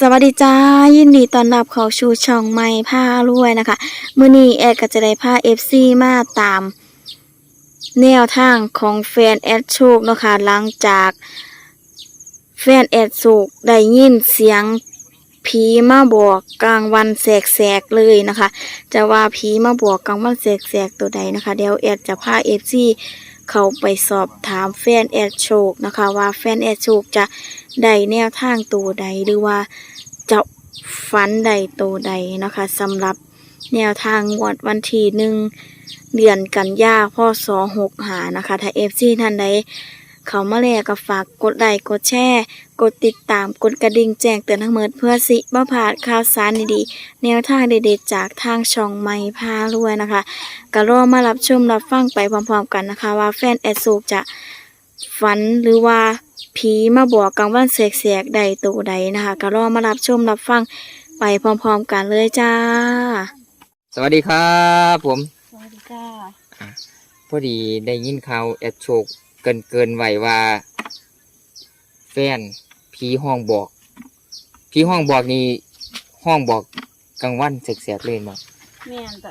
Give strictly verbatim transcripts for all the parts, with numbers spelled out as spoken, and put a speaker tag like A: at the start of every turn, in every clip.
A: วัสดีจ้ายินดีต้อนรับเข้าสู่ช่องใหม่พารวยนะคะมื้อนี้แอดก็จะได้พา เอฟ ซี มาตามแนวทางของแฟนแอดโชคเนาะค่ะหลังจากแฟนแอดโชคได้ยินเสียงผีมาบอกกลางวันแสกๆเลยนะคะจะว่าผีมาบอกกลางวันแสกๆตัวใดนะคะเดี๋ยวแอดจะพา เอฟ ซี เข้าไปสอบถามแฟนแอดโชคนะคะว่าแฟนแอดโชคจะได้แนวทางตัวใดหรือว่าจะฝันใดตัวใดนะคะสำหรับแนวทางงวดวันที่หนึ่งเดือนกันยาพศหกหานะคะถ้าเอฟซีท่านใดเขามาแล้วก็ฝากกดไลค์กดแชร์กดติดตามกดกระดิ่งแจ้งเตือนทั้งหมดเพื่อสิบ่พลาดข่าวสารดีๆแนวทางเด็ดๆจากทางช่องใหม่พารวยนะคะก็รอมารับชมรับฟังไปพร้อมๆกันนะคะว่าแฟนแอดโศกจะฝันหรือว่าผีมาบอกกลางวันแสกๆใดตัวใดนะคะก็รอมารับชมรับฟังไปพร้อมๆกันเลยจ้า
B: สวัสดีครับผม
A: สวัสดีจ้า
B: พอดีได้ยินข่าวแอดโชคเกินเกินไหวว่าแฟนผีห้องบอกผีห้องบอกนี่ห้องบอกกลางวันแสกๆเลยมั้ง
A: แม่นจ้ะ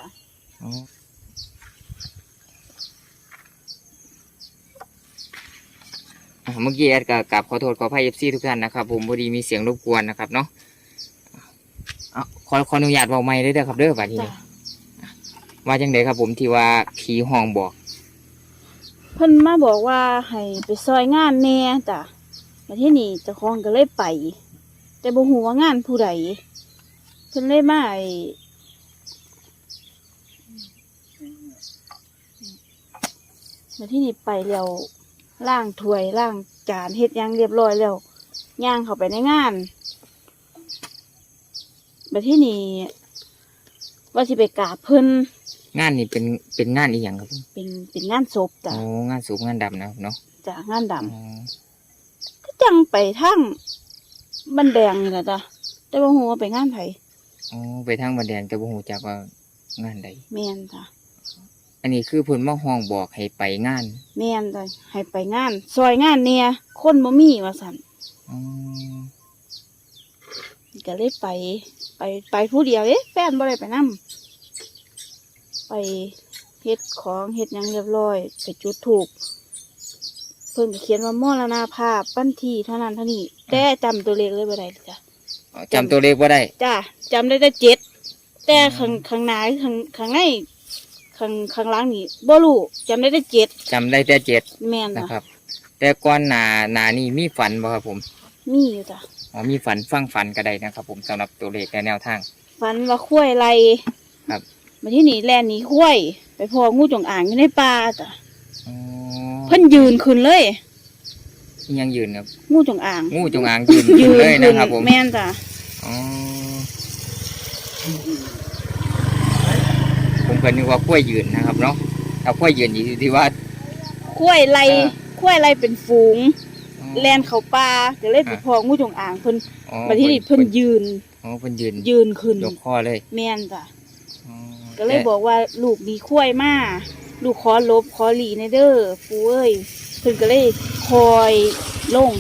B: เมื่อกี้แอดกับกับขอโทษขออภัยเอฟซีทุกท่านนะครับผมพอดีมีเสียงรบกวนนะครับเนาะขอขออนุญาตเบาไม้ได้เด้อครับเด้อบัดนี้ว่าจังไดครับผมที่ว่าผีห้องบอก
A: เพิ่นมาบอกว่าให้ไปซอยงานแน่จ้ะมาที่นี่เจ้าของก็เลยไปแต่บ่ฮู้ว่างานผู้ใดเพิ่นเลยมาไอ้มาที่นี่ไปแล้วล้างถ้วยล้างจานเฮ็ดหยังเรียบร้อยแล้วย่างเข้าไปในงานมาที่นี่ว่าสิไปกราบเพิ่น
B: งานนี่เป็นเป็นงานอีหยังครับ
A: เป็นเป็นงานศพจ้ะ
B: โอ้งานศพงานดำนะเนาะ
A: จ้ะงานดำก็จังไปทางบันแดงนี่แหละจ้ะแต่บ่ฮู้ว่าไปงานไผ
B: อ๋อไปทางบันแดงแต่บ่ฮู้จักว่างานใด
A: แม่นจ้ะ
B: อันนี้คือเพิ่นมาห้องบอกให้ไปงาน
A: แม่นจ้ะให้ไปงานซอยงานเนี่ยคนบ่มีว่าซั่น
B: อ๋อ
A: ก็เลยไปไปไปผู้เดียวเอ๊ะแฟนบ่ได้ไปนำไปเฮ็ดของเฮ็ดหยังเรียบร้อยไปจุดธูปเพิ่นก็เขียนว่ามรณภาพวันที่เท่านั้นเท่านี้แต่จำตัวเลขเลยบ่ได้จ้ะ
B: จำตัวเลขบ่ได้
A: จ้ะจำได้แต่เจ็ดแต่ข้างข้างหน้าข้างข้างในข้างข้างหลังนี่บ่รู้จำได้แต่เจ็ด
B: จำได้แต่เจ็ด
A: แม่น
B: นะครับแต่ก่อนหน้าหน้านี้มีฝันบ่ครับผม
A: มีอยู่จ้ะ
B: อ๋อมีฝันฟังฝันก็ได้นะครับผมสำหรับตัวเลขและแนวทาง
A: ฝันว่าข้วยไร
B: ครับ
A: มาที่นี่แลนนี้ข้วยไปพองูจงอางอยู่ในป่าจ้ะ
B: อ๋อ
A: เพิ่นยืนขึ้นเลย
B: ยังยืนครับ
A: งูจงอาง
B: งูจงอางยืนขึ้นเลยนะครับผม
A: แม่นจ้ะ
B: อ๋อผมก็นึกว่าข้วยยืนนะครับเนาะถ้าข้วยยืนอยู่ที่ว่า
A: ข้วยไรข้วยไรเป็นฝูงแลนเข้าป่าก็เลยไปพองูจงอางเพิ่นมาที่นี่เพิ่นยืน
B: อ๋อเพิ่นยืน
A: ยืนขึ้น
B: ยกคอเลย
A: แม่นจ้ะก็เลยบอกว่าลูกมีข้วยมาลูกขอลบขอหลีในเด้อปูเอ้ยเพิ่นก็เลยคอยลง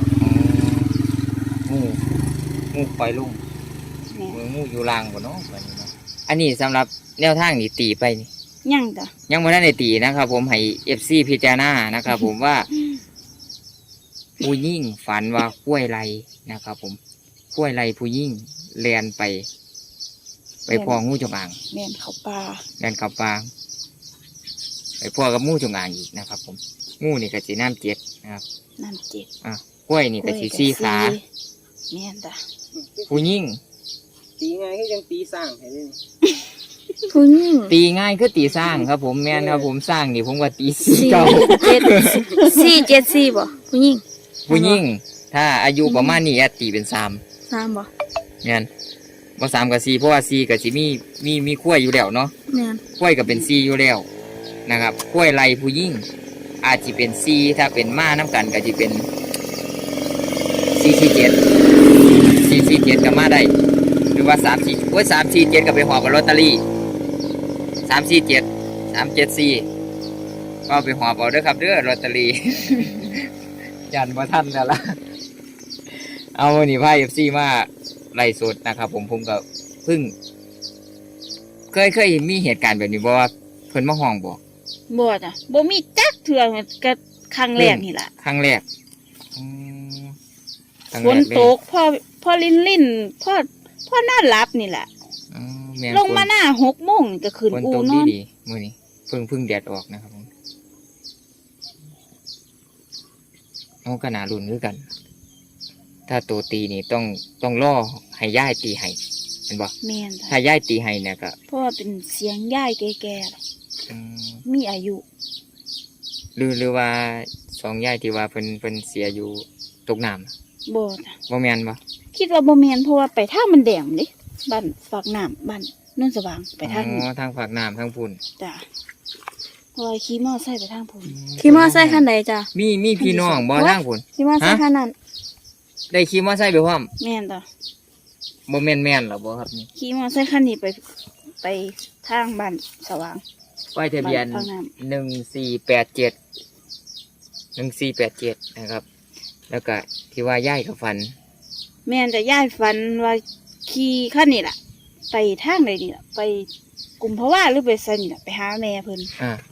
B: งูงูคอยลงมืองูอยู่ล่างบ่เนาะแบบนี้เนาะอันนี้สำหรับแนวทางนี่ตีไปนี่
A: ยังจ้ะ
B: ยังไม่ได้ในตีนะครับผมให้เอฟซีพิจารณานะครับผมว่าผู้ยิ่งฝันว่าข้วยไรนะครับผมข้วยไรผู้ยิ่งเลียนไปไปพ่องูจงอาง
A: แม่นเขาปลา
B: เลียนเขาปลาไปพ่อกับงูจงอางอีกนะครับผมงูนี่ก็สีน้ำเจ็ดนะครับ
A: น้ำเจ็ด
B: อ่ะข้วยนี่ก็สีสี่ขา
A: แม่นจ้ะ
B: ผู้ยิ่ง
C: ตีง่ายคือยังตีสร้างเห็นไหม
A: ผู้ยิ่ง
B: ตีง่ายคือตีสร้างครับผมแม่นครับผมสร้างนี่ผมว่าตีสี่เก้า
A: เจ็ดสี่เจ็ดสี่บ่ผู้ยิ่ง
B: ผู้ยิ่งถ้าอายุประมาณนี้แอดตีเป็นสาม
A: สามบ่
B: งั้นว่าสามกับสี่เพราะว่าสี่กับสี่มีมีมีขั้วอยู่แล้วเนาะขั้วกับเป็นสี่อยู่แล้วนะครับขั้วไรผู้ยิ่งอาจจะเป็นสี่ถ้าเป็นม้าน้ำกันก็จะเป็นสี่สี่เจ็ดสี่สี่เจ็ดกับม้าได้หรือว่าสามสี่ว่าสามสี่เจ็ดกับไปหอบกับลอตเตอรี่สามสี่เจ็ดสามเจ็ดสี่ก็ไปหอบเอาเด้อครับเด้อลอตเตอรี่ยันบ่ทันแล้วล่ะเอาหนีไพ่เอฟซีมาไลฟ์สดนะครับ ผมผมก็เพิ่งเคยเคยมีเหตุการณ์แบบนี้บ่ว่าเพิ่นมาห้องบ่
A: บ่จ้ะบ่มีจักเทื่อก็ครั้งแรกนี่ล่ะ
B: ครั้งแรกอืมครั้ง
A: ฝ
B: แร
A: น
B: กเลย
A: ตกพอพอลิ้นลิ้นพอพอน่าหลับนี่แหละ
B: อ๋อแม่น
A: ลงมา
B: ฝน
A: หน้าหกโมงนี่ก็ขึ้น
B: ฝน
A: อู
B: ตก
A: น
B: ดี
A: อน
B: ดีมื้อนี้เพิ่งเพิ่งแดดออกนะครับผมโอ้ก็น่าลุ้นคือกัน ถ้าตัวตีนี่ต้องต้องรอให้ย่ายตีให้เห็นบ่
A: แม่น
B: ถ้า
A: จ้ะ
B: ย่ายตีให้เนี่ยก็
A: เพราะว่าเป็นเสียงยายแก่ๆล่ะ
B: อืม
A: มีอายุ
B: หรือหรือว่าสองย่ายที่ว่าเพิ่นเพิ่นเสียอยู่ตกน้ำ
A: บ่จ้ะ
B: บ่แม่นบ่
A: คิดว่าบ่แม่นเพราะว่าไปทางมันแดงเด้บ้านปากน้ำบ้านโนนสว่างไปทาง
B: อ๋
A: นี้
B: อทางฝากน้ำทางพุ่น
A: จ้ะเพราะว่าขี่มอไซค์ไปทางพุ่น
D: ขี่มอไซค์คันใดจ้ะ
B: มีมีพี่น้องบ่ทางพุ่น
D: ขี่มอไซค์คันนั้น
B: ได้ขี่มอไซค์ไปพร้อม
A: แม่นจ้ะ
B: บ่แม่นแม่นหรอบ่ครับนี่
A: ขี่มอไซค์คันนี้ไปไปทางบ้านสว่าง
B: ป้ายทะเบียน
A: บ้านทางน้
B: หนึ่งสี่แปดเจ็ดหนึ่งสี่แปดเจ็ดนะครับ แล้วก็ที่ว่าย่ายกับฟัน
A: แม่นจะยายฝันว่าขี่คันนี้ล่ะ ไปทางใดนี่ล่ะไปกุมภาวะหรือไปไสนี่ล่ะไปหาแม่เพิ่น
B: อ่า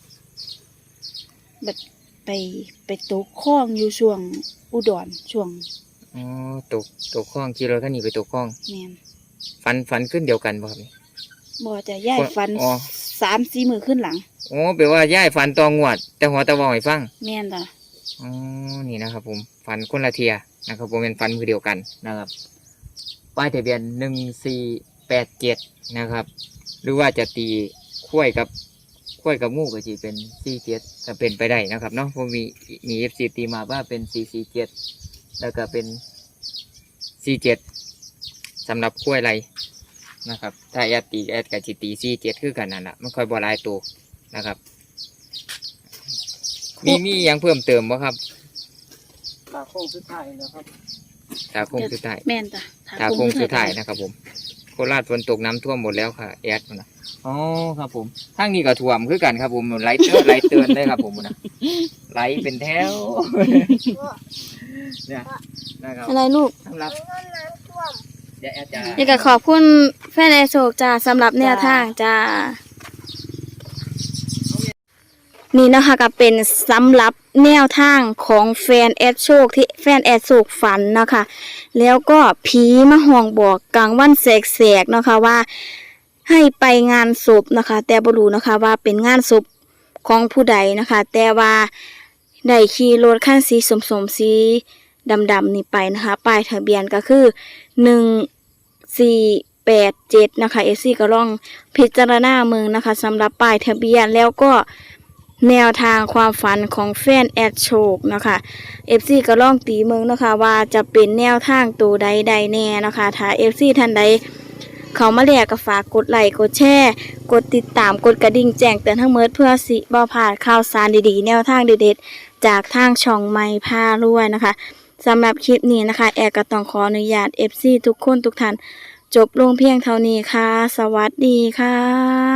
A: บัดไปไปตกคลองอยู่ช่วงอุดรช่วง
B: อ๋อตกตกคลองขี่รถคันนี้ไปตกคลอง
A: แม่น
B: ฟันฟันขึ้นเดียวกันบ่ครับนี่
A: บ่จะยายฝัน
B: อ๋อ
A: สามสี่มือขึ้นหลัง
B: โอ้แปลว่าย่ายฟันตองงวด แต่หัวตะวองให้ฟัง
A: แม่นจ้ะ
B: อ๋อ นี่นะครับผม ฟันคนละเทียนะครับผมเป็นฟันคือเดียวกันนะครับ ป้ายทะเบียนหนึ่งสี่แปดเจ็ดนะครับ หรือว่าจะตีคุ้ยกับคุ้ยกับงูก็จีเป็นสี่เจ็ดก็เป็นไปได้นะครับเนาะผมมีมีเอฟซีตีมาว่าเป็นสี่สี่เจ็ดแล้วก็เป็นสี่เจ็ดสำหรับคุ้ยไรนะครับ ถ้าแอดตีแอดกับจีตีสี่เจ็ดคือกันนั่นแหละมันค่อยบอลายตัวนะครับ มีมีหยังเพิ่มเติมบ่ครับ
C: ตาโค้งสุดท้ายนะครับ
B: ตาโค้งสุดท้าย
A: แม่นจ้ะ
B: ตาโค้งสุดท้ายนะครับผมโคราชฝนตกน้ำท่วมหมดแล้วค่ะแอดมันนะอ๋อครับผมทางนี้ก็ท่วมคือกันครับผมไหลเตือนไหลเตือนเลยครับผมนะไหลเป็นแถวเนี่ยนะครับ
D: อะไรลูก
B: สำหรับเดี๋ยวแอดจะ
D: นี่ก็ขอบคุณแฟนแอร์โศกจ้าสำหรับแนวทางจ้า นี่นะคะก็เป็นสำหรับแนวทางของแฟนแอดโชคที่แฟนแอดโศกฝันเนาะคะแล้วก็ผีมาห้องบอกกลางวันแสกๆเนาะคะว่าให้ไปงานศพนะคะ แต่บ่รู้นะคะว่าเป็นงานศพของผู้ใดนะคะ แต่ว่าได้ขี่รถคันสีสมๆสีดำๆนี่ไปนะคะป้ายทะเบียนก็คือหนึ่งสี่แปดเจ็ดนะคะเอซี่ก็ลองพิจารณาเมืองนะคะสำหรับป้ายทะเบียนแล้วก็แนวทางความฝันของแฟนแอดโชคนะคะเอฟซีก็ลองตีเมืองนะคะว่าจะเป็นแนวทางตัวใดใดแน่นะคะถ้าเอฟซีท่านใดเขามาแลกก็ฝากกดไลค์กดแชร์กดติดตามกดกระดิ่งแจ้งเตือนทั้งเมิดเพื่อสิบ่พลาดข่าวสารดีๆแนวทางเด็ดๆจากทางช่องไม้พารวยนะคะสำหรับคลิปนี้นะคะแอดก็ต้องขออนุญาต เอฟ ซี ทุกคนทุกท่านจบลงเพียงเท่านี้ค่ะสวัสดีค่ะ